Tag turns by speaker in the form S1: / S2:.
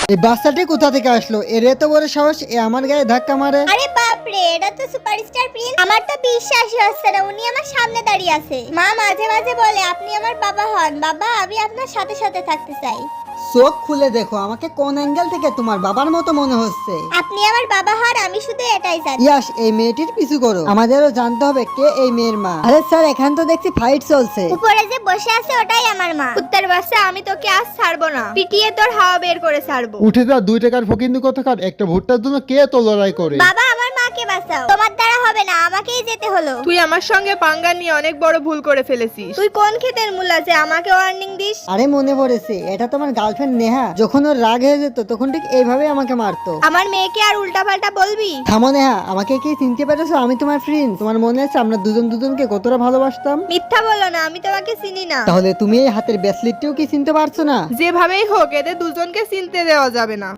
S1: এই বাচ্চাটি কোথা থেকে আসলো? এর এত বড় সাহস, এ আমার গায়ে ধাক্কা মারে।
S2: আরে বাপ রে, এটা তো সুপারস্টার প্রিন্স। আমার তো বিশ্বাসই হচ্ছে না উনি আমার সামনে দাঁড়িয়ে আছে। মা মাঝে মাঝে বলে আপনি আমার বাবা হন। বাবা, আমি আপনার সাথে সাথে থাকতে চাই।
S1: চোখ খুলে দেখো, আমাকে কোন অ্যাঙ্গেল থেকে তোমার বাবার মতো মনে হচ্ছে।
S2: আপনি আমার বাবা হন, আমি শুধু এটাই জানি।
S1: ইয়াস, এই মেয়েটির পিছু করো, আমাদেরও জানতে হবে কে এই মেয়ের মা। আরে স্যার, এখান তো দেখছি ফাইট চলছে।
S2: উপরে যে বসে আছে ওটাই আমার মা।
S3: উত্তর বাচ্চা, আমি তোকে আজ ছাড়বো না, পিটিয়ে তোর হাওয়া বের করে ছাড়বো।
S4: উঠে যা 2 টাকার ফকিন্নি কোথাকার, একটা ভুট্টার জন্য কে তো লড়াই করে।
S2: বাবা, আমার মাকে বাঁচাও। তোমার দ্বারা হবে না, আমাকেই যেতে হলো।
S3: তুই আমার সঙ্গে পাঙ্গা নিয়ে অনেক বড় ভুল করে ফেলেছিস। তুই কোন ক্ষেতের মূলা যে আমাকে ওয়ার্নিং দিস?
S1: আরে মনে পড়েছে, এটা তোমার গার্লফ্রেন্ড নেহা। যখন ওর রাগ হয়ে যেত তখন ঠিক এইভাবে আমাকে মারতো।
S3: আমার মেয়েকে আর উল্টাপাল্টা বলবি?
S1: থামো নেহা, আমাকে কি চিনতে পেরেছো? আমি তোমার ফ্রেন্ড। তোমার মনে আছে আমরা দুজন দুজনকে কতটা ভালোবাসতাম?
S3: মিথ্যা বলো না, আমি তোমাকে চিনি না।
S1: তাহলে তুমি এই হাতের ব্রেসলেটটিও কি চিনতে পারছো না?
S3: যেভাবেই হোক এদের দুজনকে চিনতে দেওয়া যাবে না।